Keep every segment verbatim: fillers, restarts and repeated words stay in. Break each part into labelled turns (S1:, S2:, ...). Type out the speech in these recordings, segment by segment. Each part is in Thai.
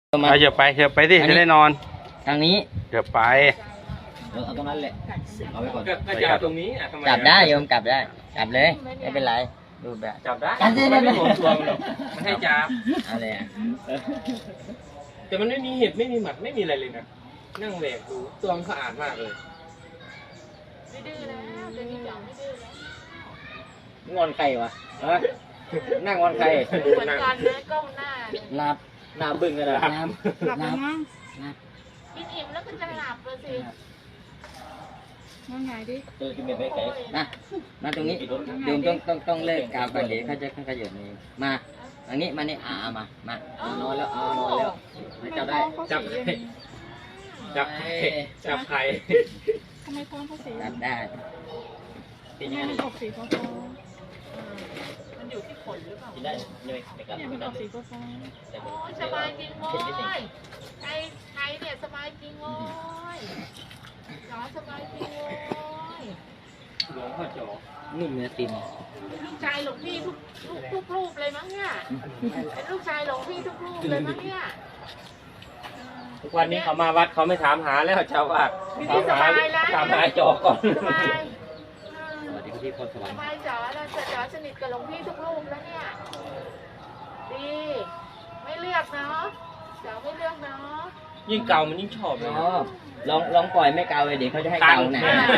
S1: เอาเดี๋ยวไปเดี๋ยวไปสิจะได้นอน
S2: ทางนี้
S1: เดี๋ยวไป
S2: เอาตรงนั้นแหละเอาไว้ก่อน
S3: ก็จับตรงนี้
S2: จับได้โยมจับได้จับเลยไม่เป็นไรดูแบบ
S3: จับได้มันไม่โหดตัวมันหรอกมันให้จับ
S2: อะไรอ่ะ
S3: แต่มันไม่มีเห็บไม่มีหมัดไม่มีอะไรเลยนะนั่งแหวกดูตัวมันสะอาดมากเลย
S4: ไม่ดื้อแล้วเดี๋ยวนี้จับไม่ดื้อแล้ว
S2: งอนใครวะนั่งงอนใคร
S4: เหมือนกันนะก้มหน้า
S2: หลับหน้าบึ้งกันเลยน้ำ
S4: หลับแล้วมั้งกินอิ่มแล้วก็จะหลับเลยสินั่งไงดิ
S2: เจอกินเบ็ดไปไก่นะมาตรงนี้โยมต้องต้องต้องเลิกกาวกันเดี๋ยวเขาจะเขาจะหยุดนี่มาอันนี้มานี่อ่ามามานอนแล้วเอานอนแล้วจับได้
S3: จับจับจับไข่
S4: ทำไมท้องเขาสี
S2: จับได้
S4: เป็นยังไงมันออกสีฟ้ามันอยู่ที่ขนหรือเปล่า
S2: ได้เนี่ย
S4: มันออกสีฟ้าโอ้ยสบายจริงโว้ยไอ้ไอ้เนี่ยสบายจริงโว้ยจ๋อสบายจริงโว้ย
S3: หลวงพ่อจ๋อ
S2: นุ่มเนื้อติ่ม
S4: ลูกชายหลวงพี่ทุกทุกรูปเลยมั้งเนี่ยเป็นลูกชายหลวงพี่ทุกรูปเลยมั้งเนี่ย
S3: ทุกวันนี้เขามาวัดเขาไม่ถามหาแล้วเจ้าวาดถามหาถามหาจ๋อก่อน
S4: สบาย
S2: สวัสดีพี่พรสวรรค์
S4: สบายจ๋อแล้วจ๋อสนิทกับหลวงพี่ทุกรูปแล้วเนี่ยดีไม่เลือกเนาะจ๋อไม่เลือกเนาะ
S3: ยิ่งเก่ามันยิ่งชอบ
S2: เนาะลองลองปล่อยไม่เกาเลยเดี๋ยวเขาจะให้เกาไหน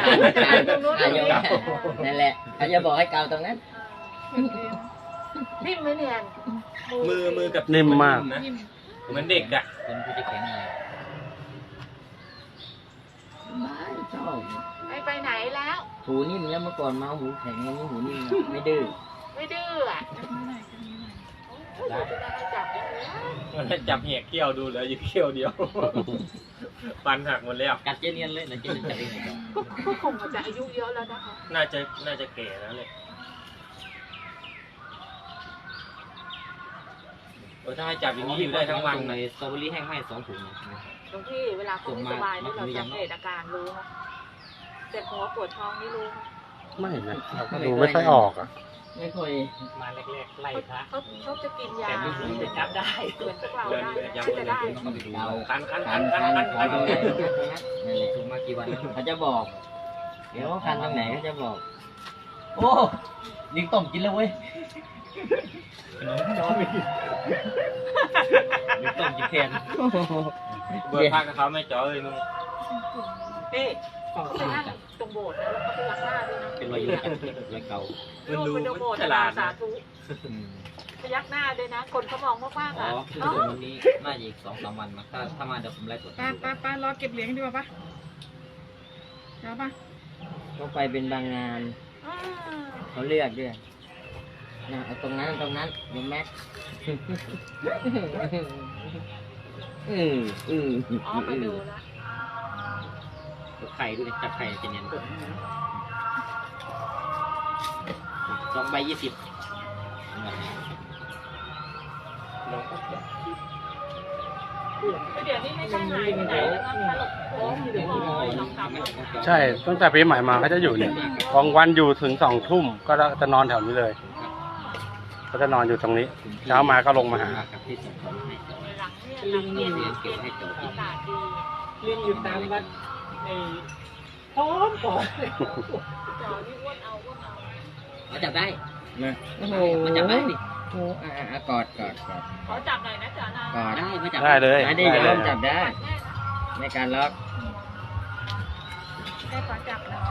S2: นั่นแหละเขาจะบอกให้เกาตรงนั้น
S4: นิ่มไหมเนี่ย
S3: มือมือกับ
S1: นิ่มมาก
S3: นะเหมือนเด็กอะ
S2: คนผู้จะแข็งเลยไม่ชอบ
S4: ไม่ไปไหนแล้ว
S2: หูนิ่มแล้วเมื่อก่อนมาหูแข็งแล้วนี่หูนิ่มไม่ดื้อ
S4: ไม่ดื้ออ่ะจับ
S3: มันจับเหี้ยเขี้ยวดูแล้วอยู่เขี้ยวเดียวฟันหักหมดแล้ว
S2: กัดเจเนียนเลยนะเจเนียนจับเอง
S4: ก็คงจะอายุเยอะแล้วนะคะ
S3: น่าจะน่าจะแก่แล้วเลยถ้าให้จับอย่างนี้อยู่ได้ทั้งวัน
S2: เลยสตรอเบอรี่แห้งให้สองถุงนะ
S4: ตรงที่เวลาเขาไม่สบายนี่เราสังเกตอาการรู้ไหมเจ็บหัวปวดท้องนี่รู้
S1: ไหมไม่นะดูไม่ค่อยออกอ่ะ
S2: ไม่ค่อย
S3: มาแรกๆไล่พระ
S4: เขาเขาจะกินยา
S3: แต่ไม่รู้จะจับได้
S4: เหมือนพวกเราได้จะได้
S3: คันคันคันคันคันคัน
S2: นั่นแหละถุงมากี่วันเขาจะบอกเดี๋ยวคันตรงไหนเขาจะบอกโอ้ยิงต้มกินแล้วเว้ยยิงต้มกินแทน
S3: เบอร์พักกับเขาไม่จ่อเลยมึง
S4: พี่เขาไปนั่งตรงโบสถ์แล้วเขาไปรักหน้าด้วยนะ
S2: เป็นรอยยิ้มรอยเก่า
S3: มันดู
S4: ฉลาดสาธุพยักหน้าด้วยนะคนเขามองมากๆอ่ะ
S2: อ๋อวันนี้น่าจะอีกสองสามวันมาถ้าถ้ามาเดี๋ยวผมไล่ตรวจ
S4: ป้าป้าป้ารอเก็บเหรียญดีกว่าป้าเดี๋ยวป้า
S2: เขาไปเป็นบางงานเขาเลือกด้วยนะเอาตรงนั้นตรงนั้นยมแม็กอืมอืม
S4: อ๋อมาดู
S2: แล้วไข่ดูดิจับไข่จะเนียนสองใบยี่สิบ
S4: เดี๋ยวนี้ไม่ใช่หายไปไหนแล้วก็ตลกโค้งอยู่เลยลองท
S1: ำใช่ตั้งแต่ปีใหม่มาเขาจะอยู่เนี่ยบางวันอยู่ถึงสองทุ่มก็จะนอนแถวนี้เลยก็จะนอนอยู่ตรงนี้เช้ามาก็ลงมาหา
S4: ลิงนี่เรียนเก็บให้จบ
S3: ลิงอยู่ตามวัดในพร้อมก่อน
S4: จอนี่อ้วนเอาอ้วนเอา
S2: มาจับได้นะโอ้โหมาจับได้ดิโอ้อ่ากอดกอดกอด
S4: ขอจับหน่อยนะจ๋านะ
S2: กอดได้มาจับ
S1: ได้เลย
S2: ได้ดิเริ่มจับได้ในการล็อก
S4: ได้ขอจับนะ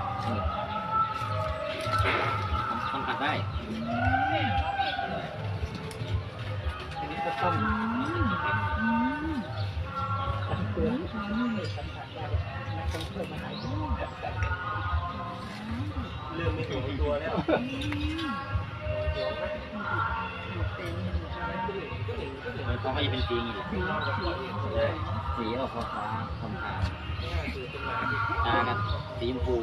S2: ทำผัดได้
S3: ต้องเริ่มไม่ถูกตัวแล้ว
S2: เขาก็จะเป็นสีอย่างนี้สีออกฟ้าฟ้าทองคำตากับสีชมพู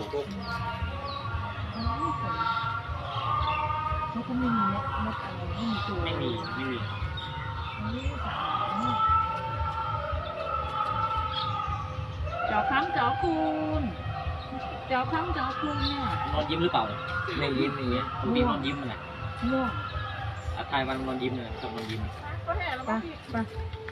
S4: เขาก็ไม่มีนกนกอะไรไม่มีตัว
S3: ไม่มีไม่มี
S4: จอค้ำจอคูณจอค้ำจอคูณเนี่ย
S2: นอนยิ้มหรือเปล่าไม่ยิ้มไม่ยิ้มคุณพี่นอนยิ้มอะไร
S4: ง่วง
S2: อาทายมันนอนยิ้มเลยชอบนอนยิ้ม
S4: ก็แห่แล้วมั้งพี่